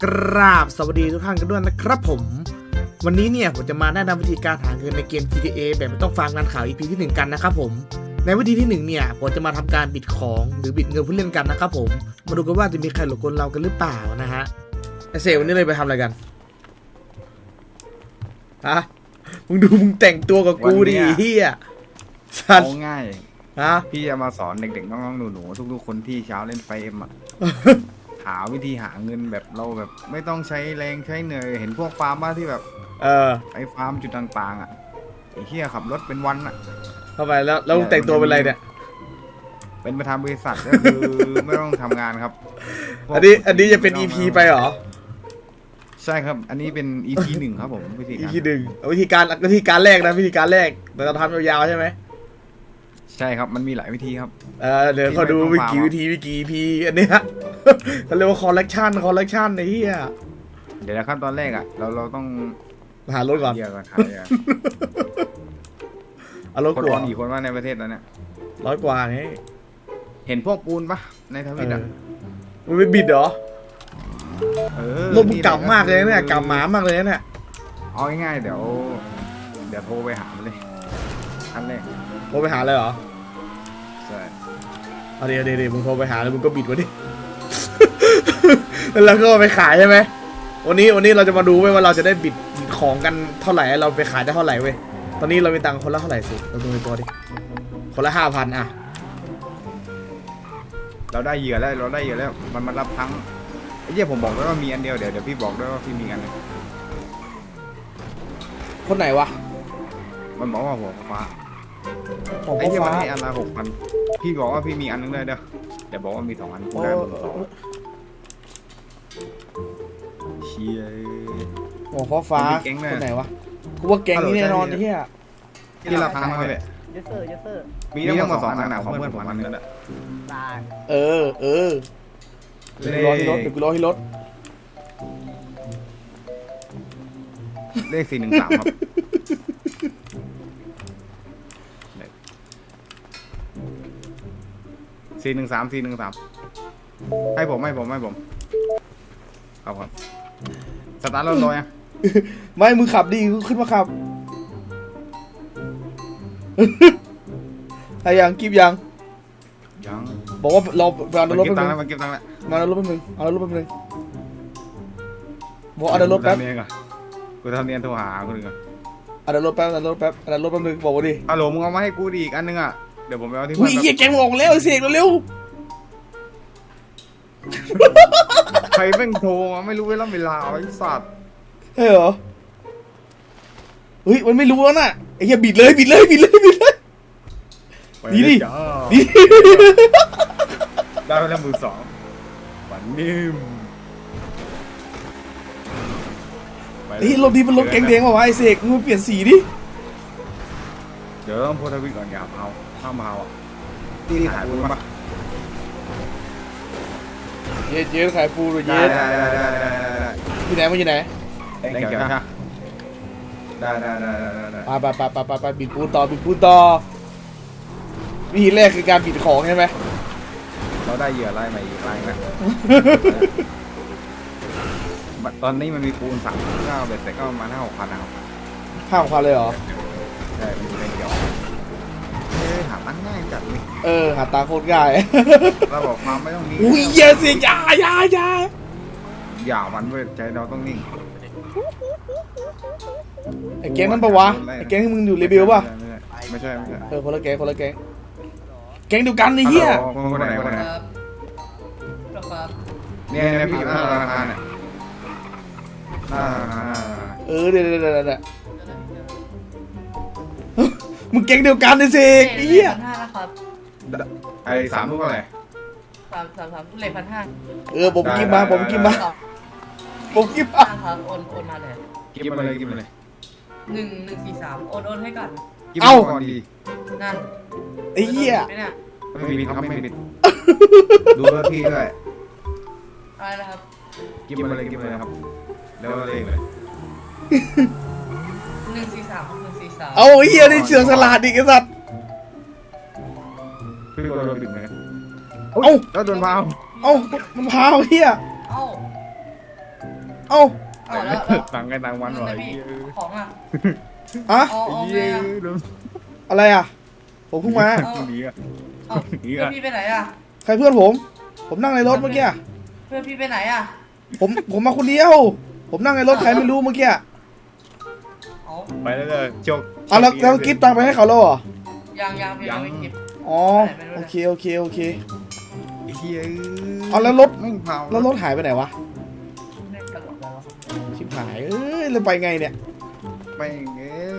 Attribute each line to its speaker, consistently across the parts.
Speaker 1: กราบสวัสดีทุกท่านกันด้วยนะครับผมวันนี้เนี่ยผมจะมาแนะนำวิธีการหาเงินในเกม GTA แบบไม่ต้องฟังงานข่าว EP ที่1กันนะครับผมในวิธีที่1เนี่ยผมจะมาทำการบิดของหรือบิดเงินผู้เล่นกันนะครับผมมาดูกันว่าจะมีใครหลงกลเรากันหรือเปล่านะฮะไอเซลวันนี้เลยไปทำอะไรกันฮะมึงดูมึงแต่งตัวกับกูดิเฮียสัตว์
Speaker 2: ง่าย
Speaker 1: ฮะ
Speaker 2: พี่จะมาสอนเด็กๆน้องๆหนูๆทุกๆคนที่เช้าเล่นไฟเอ็มอ่ะ หาวิธีหาเงินแบบเราแบบไม่ต้องใช้แรงใช้เหนื่อยเห็นพวกฟาร์มบ้าที่แบบไอ้ฟาร์มจุดต่างๆอ่ะไอ้เหี้ยขับรถเป็นวันอ่ะ
Speaker 1: เข้าไปแล้วมึงแต่งตัวเป็นอะไรเนี่ย
Speaker 2: เป็นประธานบริษัทก็คือ ไม่ต้องทำงานครับ
Speaker 1: อันนี้จะเป็น EP ไปเหรอ
Speaker 2: ใช่ครับอันนี้เป็น EP 1ครับผมวิธีการ
Speaker 1: EP 1วิธีการแรกนะวิธีการแรกเราจะทำยาวๆใช่ไหม
Speaker 2: ใช่ครับมันมีหลายวิธีครับ
Speaker 1: เดี๋ยวเขาดูวิกี่ EP อันนี้ฮะเขาเรียกว่าคอลเลกชันไอ้เหี้ย
Speaker 2: เดี๋ยวขั้นตอนแรกอ่ะเราต้อง
Speaker 1: หารถก่อน
Speaker 2: หา
Speaker 1: เอารถ
Speaker 2: คน
Speaker 1: ก่อน
Speaker 2: กี่คนว่าในประเทศนั้นเนี่ย
Speaker 1: 100 กว่าไง
Speaker 2: เห็นพวกปูนปะในทวิตอ่ะ
Speaker 1: มึงไปบิดเหรอรถมึงเก่ามากเลยเนี่ยเก่าหมามากเลยเนี่ย
Speaker 2: เอาง่ายๆเดี๋ยวโทรไปหามันเลยอันแรก
Speaker 1: โทรไปหาเลยเหรอ
Speaker 2: ใช่
Speaker 1: เอาเดี๋ยวมึงโทรไปหาแล้วมึงก็บิดวะดิ แล้วก็ไปขายใช่ไหมวันนี้เราจะมาดูเว้ยว่าเราจะได้บิดของกันเท่าไหร่เราไปขายได้เท่าไหร่เว้ยตอนนี้เรามีตังค์คนละเท่าไหร่สิเราดูในตัวดิคนละ 5,000อ่ะ
Speaker 2: เราได้เหยื่อแล้วมันมารับทั้งไอ้เหี้ยผมบอกแล้วว่ามีอันเดียวเดี๋ยวพี่บอกด้วยว่าพี่มีอันนึง
Speaker 1: คนไหนวะ
Speaker 2: มันบอกว่าหัวฟ้าไอ้เหี้ยมันให้อันละ6,000พี่บอกว่าพี่มีอันนึงเลยเดี๋ยวบอกว่ามี2 อันกูได้มา2เชี่ย
Speaker 1: หัวฟ้าคนไหนวะกูว่าแก๊งนี้แน่นอนไอ้เหี้ย
Speaker 2: ที่รับทั้งมาเลย
Speaker 3: เยสเซอร์
Speaker 2: มีทั้งหมด2 อันนะของเพื่อนผมอันนึงแล้ว
Speaker 1: เดี๋ยวกูรอที่รถ
Speaker 2: เลข413ครับ413ให้ผมครับสตาร์ทรถลอยอ่ะ
Speaker 1: ไม่มึงขับดิขึ้นมาขับไอ้ยังกิบยังบอกว่าเราเอารถไปนึง
Speaker 2: มันเก็บตังค์แล้ว
Speaker 1: มาเอารถไปนึงบอกเอารถแป๊บ
Speaker 2: กูทำเนียนโทรหาคนอื่น
Speaker 1: เอารถแป๊บนึงบอกว่าดิ
Speaker 2: ฮัลโหลมึงเอามาให้กูอีกอันนึงอ่ะเดี๋ยวผมไปเอาที่
Speaker 1: อุ้ยเหี้ยแกงออกแล้วเสกเร็ว
Speaker 2: ใครแม่งโทรมาไม่รู้เวลาไอ้สัตว์
Speaker 1: เฮ้ยเหรอเฮ้ยมันไม่รู้แล้วน่ะไอ้เหี้ยบิดเลยดี
Speaker 2: ได้ไปแล้วมือ2ฝันนิ่ม
Speaker 1: เฮ้ยรถดีมันรถแกงแดงว่ะไอ้เสกมึงเปลี่ยนสีดิ
Speaker 2: เดี๋ยวต้องโพสทวิตก่อนอย่าเผาห้ามเผาอ่ะตีขายปูนปะ
Speaker 1: เย็ดขายปูเลยเย็ดที่ไหนมันอยู่ไหน
Speaker 2: แดงเขียวใช่ได้
Speaker 1: ไปบิดปูนต่อวิธีแรกคือการบิดของใช่ไหม
Speaker 2: เราได้เหยื่อไล่ใหม่อีกไล่นะตอนนี้มันมีปูน39เบ็ดเสร็จก็ประมาณ5,000-6,000นะครับ
Speaker 1: 5,000เลยเหรอ
Speaker 2: ใช่มันอยู่ในเดียวหาตั้งง่ายจัดเลย
Speaker 1: หาตาโคตรง่าย
Speaker 2: เราบอกความไม่ต้องมี
Speaker 1: อุ้ยเยอะสิอย่า
Speaker 2: มันเว้ยใจเราต้องนิ่ง
Speaker 1: ไอ้แก๊งนั่นปะวะไอ้แก๊งที่มึงอยู่เรเบลป่ะ
Speaker 2: ไม่ใช่
Speaker 1: คนละแก๊งแก๊งเดียวกันไอ้เหี้ย
Speaker 2: คนไหนเนี่ยพี่อยู่หน้าธนาคารเนี่ย
Speaker 1: เดี๋ยวมึงแก๊งเดียวกันไอ้เสกไอ้เหี้ย
Speaker 2: ไอ้3 ลูกอะไร
Speaker 3: 3เลข1,500
Speaker 1: ผมกินมา
Speaker 3: ครับโอนมาเลย
Speaker 2: กินมาเลย
Speaker 3: 143โอนให้ก่อน
Speaker 1: เอ้า
Speaker 3: นั่น
Speaker 1: ไอ้เหี้ย
Speaker 2: ไม่มีครับไม่มีดูเบอร์พี่ด้วย
Speaker 3: อะไรนะครับ
Speaker 2: กินมาเลยครับแล้วเลขเลย
Speaker 3: 143
Speaker 1: เอาเหี้ยนี่เสือสลัดดิไอ้สัตว์
Speaker 2: พี่โดนปิดไหม
Speaker 1: เอ้า
Speaker 2: แล้วโดนพาว
Speaker 1: มันพาวเหี้ยเอ้า
Speaker 3: เอาแล้ว
Speaker 2: ต่างกันต่างวันหน่อย
Speaker 3: ของอ่ะ
Speaker 1: อะ
Speaker 3: เอา
Speaker 2: เย้
Speaker 3: ไงอ่ะ
Speaker 2: โดน
Speaker 1: อะไรอ่ะผมเพิ่งมา
Speaker 2: ดีอ่ะ
Speaker 3: เอาเพื่อนพี่ไปไหนอ่ะ
Speaker 1: ใครเพื่อนผมนั่งในรถเมื่อกี้
Speaker 3: เพื่อนพี่ไปไหนอ่ะ
Speaker 1: ผมมาคนเดียว ผมนั่งในรถใครไม่รู้เมื่อกี้
Speaker 3: เอา
Speaker 2: ไปแล้วเลยโชค
Speaker 1: เอาแล้วกิฟต์ตังค์ไปให้เขาแล้วเหรอ
Speaker 3: ยังพี่ยังไม่เก็บ
Speaker 1: อ๋อโอเคโอเคโอเค
Speaker 2: เฮีย
Speaker 1: เอาแล้วรถ
Speaker 2: ไม่เผา
Speaker 1: แล้วรถหายไปไหนวะ
Speaker 3: เล่นตลกแล้ว
Speaker 1: ชิบหายเอ้ยแล้วไปไงเนี่ย
Speaker 2: ไปเงี้ย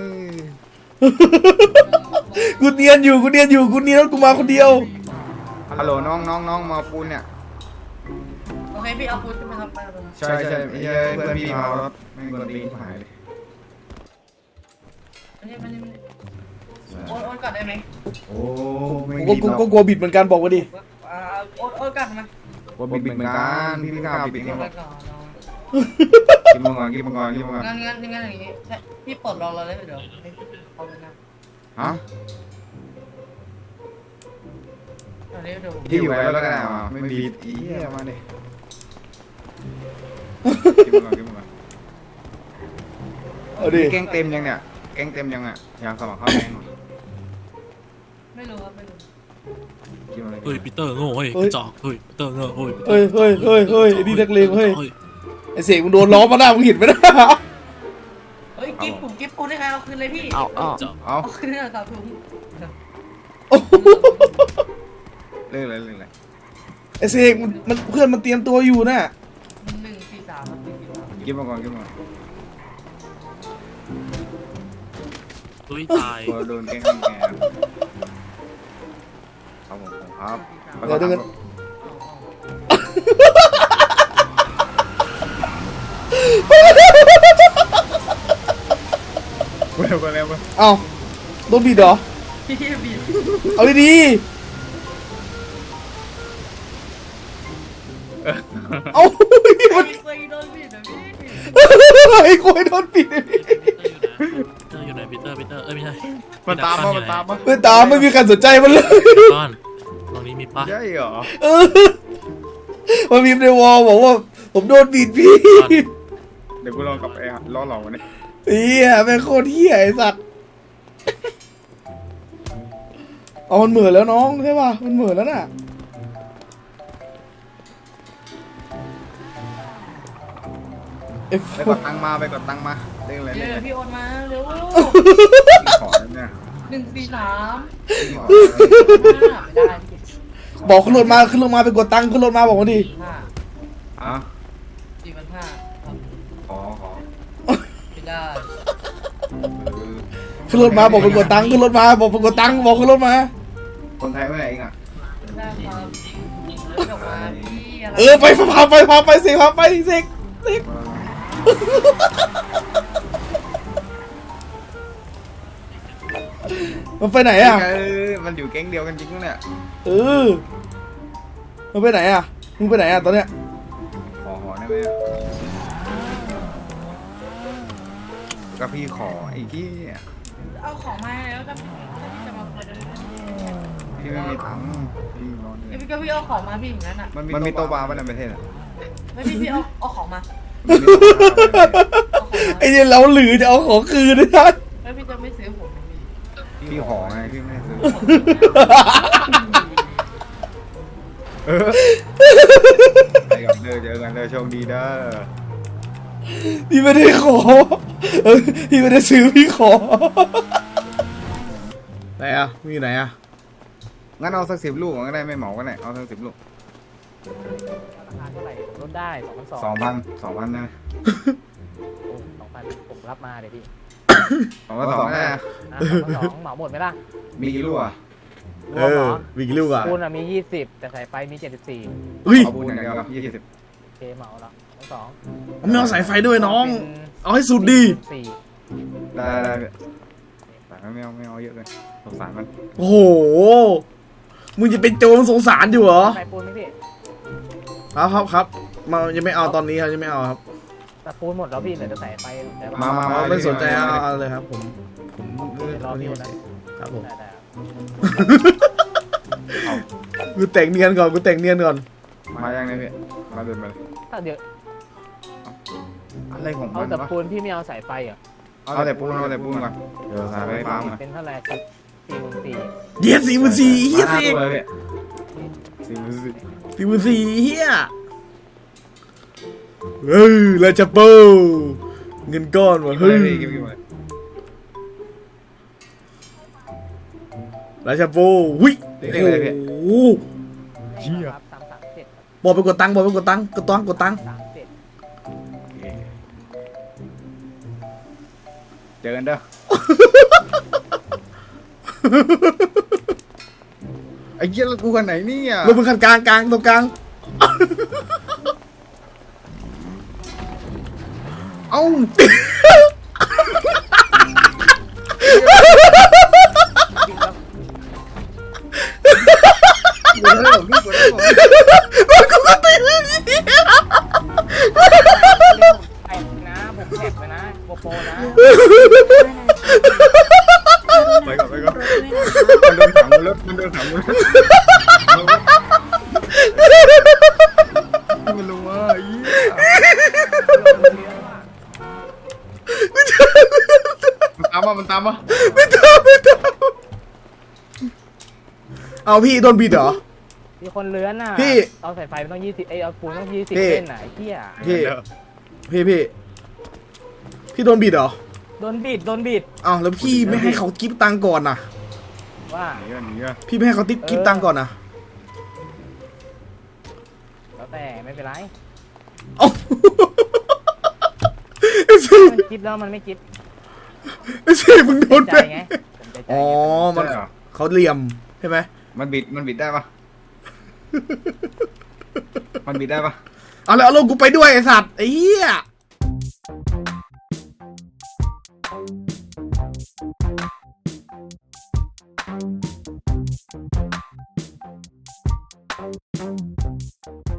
Speaker 1: กูเนียนอยู่กูเนียนรถกูมาคนเดียว
Speaker 2: ฮัลโหลน้องมาปูนเนี่ย
Speaker 3: โอเคพี่เอาพุทธขึ้นมาทำไปเลย
Speaker 2: ใช่เพื่อนพี่เมารถไม่กดตีนหายเลย
Speaker 3: ไม่โอนก่อนได้ไหม
Speaker 2: โอ้ไม่
Speaker 1: กู
Speaker 2: ดีหรอก
Speaker 1: ก็กลัวบิดเหมือนกันบอกมาดิ
Speaker 3: โอนก่อนไหม
Speaker 2: ว่าบิดเหมือนกันพี่ข้าวบิด
Speaker 3: โอ
Speaker 2: เนี่ย
Speaker 3: นก่อน
Speaker 2: กินมังกรกินมังกรกินมังกร
Speaker 3: งั้นอย่างงี้พี่ปลดล็อกเราเลยเดี๋ยวเอาไปนะ
Speaker 2: ฮะ
Speaker 3: เดี๋ยว
Speaker 2: ที่อยู่ไว้แล้วก็ได้มาไม่บิดอีมาดิกินมังกรกินมังกร
Speaker 1: เอาดิ
Speaker 2: แกงเต็มยังเนี่ยแกงเต็มยังอ่ะอยากสมัครเข้าแกงหรอ
Speaker 3: ไม่รู้ครับไม่รู้
Speaker 2: กินอะไร
Speaker 4: เฮ้ยปีเตอร์โง่เฮ้ยกระจอกเฮ้ยปีเตอร์โง่เฮ้ย
Speaker 1: เฮ้ยไอ้นี่นักเลงเฮ้ยไอ้เสกมึงโดนล้อมาหน้ามึงเห็นไหมนะ
Speaker 3: เฮ้ยกิฟต์ให้ใครเอาคืนเลยพี่
Speaker 2: เอา
Speaker 3: เอาคืนเลยครับถุง
Speaker 2: เรื่องอะไร
Speaker 1: ไอ้เสกมันเพื่อนมันเตรียมตัวอยู่น่ะ
Speaker 3: 143ครับ143
Speaker 2: กินมังกรกินมังกร
Speaker 4: ตุ้ยตาย
Speaker 2: โดนแกงแงครับผมครับ
Speaker 1: เดี๋ยวกัน
Speaker 2: เร็วกันแล้ว
Speaker 1: เอ้าโดนบิดเหรอ
Speaker 3: พี่บีบ
Speaker 1: เอาดีๆเอา
Speaker 3: ไอ้
Speaker 1: มัน
Speaker 3: เคยโดนบีบนะพี่
Speaker 1: ไอ้กูให้โดนบิดเลย
Speaker 4: ปีเตอร์อยู่ไหนปีเตอร์เอ้ยไม่ใช่
Speaker 2: มันตามมา
Speaker 1: ไม่ตามไม่มีใครสนใจมันเลย
Speaker 4: ก้อนตรงนี้มีปะ
Speaker 2: ใช่เหรอ
Speaker 1: เออมันมีในวอลบอกว่าผมโดนบิดพี่
Speaker 2: เดี๋ยวกูลองกลับไปล้อหลอกมันนี่
Speaker 1: เฮียแม่งโคตรเฮียไอ้สัตว์เอามันเหมือนแล้วน้องใช่ป่ะมันเหมือนแล้วน่ะ
Speaker 2: ไปกดตังมาไปกดตังมาเรื่องอะไร
Speaker 3: เดี๋
Speaker 2: เรื่
Speaker 3: ย
Speaker 2: องอะไร
Speaker 3: วพี่โอนมาเร็ว
Speaker 2: ขอเนี่ย
Speaker 3: 143
Speaker 2: ขอ
Speaker 3: ไม่ได้
Speaker 1: บอกขึ้นรถมาไปกดตังค์ขึ้นรถมาบอกมาดิ
Speaker 3: 5
Speaker 2: อ่ะ
Speaker 3: 4,500ครับ
Speaker 2: ขอ
Speaker 3: ไม่ได้
Speaker 1: ขึ้นรถมาบอกไปกดตังค์ขึ้นรถมาบอกไปกดตังค์บอกขึ้นรถมา
Speaker 2: คนไทยไม่ไหนเองอ่ะ
Speaker 3: ไม่ได้ครับจบมาพี่อะไร
Speaker 1: ไปพาไปเสกพาไปเสกมันไปไหนอ่ะ
Speaker 2: มันอยู่แก๊งเดียวกันจริงเนี่ย
Speaker 1: มันไปไหนอ่ะมึงไปไหนอ่ะตอนเนี้ย
Speaker 2: ขอได้ไหมก็พี่ขอไอ้ที่
Speaker 3: เอาของมาแล้วก็พี่จะมาเปิด
Speaker 2: พี่ไม่มีตังค์พี่นอน
Speaker 3: พี่ก็พี่เอาของมาพี่อย่างนั้นอ่ะ
Speaker 2: มันมีโต๊ะบาร์ป่ะในประเทศอ่ะ
Speaker 3: ไม่พี่เอาของมา
Speaker 1: ไอ้เนี่ยเราหรือจะเอาของคืนนะ
Speaker 3: แล้วพี่จะไม่ซื้อผม
Speaker 2: พี่ขอไงพี่ไม่ซื้อไปกับเด้อเจอกันเด้อโชคดีเด้อ
Speaker 1: พี่ไม่ได้ขอพี่ไม่ได้ซื้อพี่ขอไหนอ่ะมีไหนอ่ะ
Speaker 2: งั้นเอาสัก10 ลูกก็ได้ไม่เหมาก็ได้เอาสัก10 ลูก
Speaker 5: ราคาเท่าไหร่ลดได้2,200
Speaker 2: 2,000นะ
Speaker 5: 2,000ผมรับมาเดี๋ยวพี่
Speaker 2: 2,200นะ
Speaker 5: 2,200เหมาหมดไหมล่ะ
Speaker 2: มีกี่ลูกอ่ะ
Speaker 5: รวมเหรอ
Speaker 1: มีกี่ลูกอ่ะ
Speaker 5: ปูนมี20แต่ใส่ไฟมี74
Speaker 1: เฮ้ย
Speaker 2: เอาปูนอย่างเดียว20
Speaker 5: โอเคเหมาแล้ว2
Speaker 1: ผมไม่เอาสายไฟด้วยน้อง เอาให้สุดดี
Speaker 5: 4
Speaker 2: ได้แต่ไม่เอาเยอะเลยสงสารมัน
Speaker 1: โอ้โหมึงจะเป็นโจรสงสารอยู่เหรอ
Speaker 5: ใส่ปูนไหมพี่
Speaker 1: ครับมายังไม่เอาตอนนี้ครับยังไม่เอาครับ
Speaker 5: แต่ปูนหมดแล้วพี่เหลือจะใส่ไฟแต่ว่า
Speaker 2: มา
Speaker 1: ไม่สนใจเอาเลยครับผม
Speaker 5: รอพี่คนนั้น
Speaker 1: ครับผม
Speaker 5: ได้
Speaker 1: กูแต่งเนียนก่อน
Speaker 2: มายังไงพี่มาเดินมาเลย
Speaker 5: ถ้าเดี๋ยว
Speaker 2: อะไรของ
Speaker 5: เอา
Speaker 2: มัน
Speaker 5: แต่
Speaker 2: วะ
Speaker 5: ปูนพี่ไม่เอาสายไฟเหรอ
Speaker 2: เอาแต่ปูนก่อนเดี๋ยวสายไฟฟ้ามา
Speaker 5: เป็นเท่าไหร่44,000
Speaker 1: เดี๋ยว44,000เฮียสิ
Speaker 2: มาเลยสี่มือสิ
Speaker 1: 44,000เฮียราชาโปเงินก้อนว่ะ
Speaker 2: เฮ้
Speaker 1: เฮ้
Speaker 2: ย
Speaker 1: ยราชาโปหุ้ยโอ้โห
Speaker 5: เชี่ยครับ337
Speaker 1: บอกไปกดตังค์บอกไปกดตังค์กดตังค์กดตังค์
Speaker 2: เจอกันเด้อไอ้เหี้ยแล้วกูกันไหนเนี่ย
Speaker 1: ลงมือคันกลางกลางตรงกลาง
Speaker 2: เอ้ากูได้ผมพี่กูได้ผม
Speaker 5: ไอ้นะผมแท็กไปนะโกโปรนะ
Speaker 2: ไปก่อนมันโดนขังบนรถมันโดนขังบนรถมันรู้ว่าไอ้เหี้ยมันตามมา
Speaker 1: เอาพี่โดนบีดเหรอ
Speaker 5: มีคนเลื้อนน่ะ
Speaker 1: พี่
Speaker 5: เอาสายไฟมันต้อง20เอาปูนต้อง20
Speaker 1: พี่
Speaker 5: เส้นไหนเที่ย
Speaker 1: พี่โดนบีดเหรอ
Speaker 5: โดนบิด
Speaker 1: อ้าวแล้วพี่ไม่ให้เขากิฟตังค์ก่อนนะ
Speaker 5: ว่า
Speaker 2: หนีอ่ะ
Speaker 1: พี่ไม่ให้เขาติ๊บกิฟตังค์ก่อนนะ
Speaker 5: แล้วแต่ไม่เป็นไร
Speaker 1: เอ้า
Speaker 5: มันกิฟแล้วมันไม่กิฟ
Speaker 1: ไม่ใช่มึงโดน
Speaker 5: ใจ
Speaker 1: ไป
Speaker 5: ไงผมใจ
Speaker 1: อ๋อ
Speaker 5: ไง
Speaker 1: มันเขาเหลี่ยมใช่ไหม
Speaker 2: มันบิดได้ปะมันบิดได้ปะ
Speaker 1: เอาแล้วเอาลงกูไปด้วยไอ้สัตว์ไอ้เหี้ย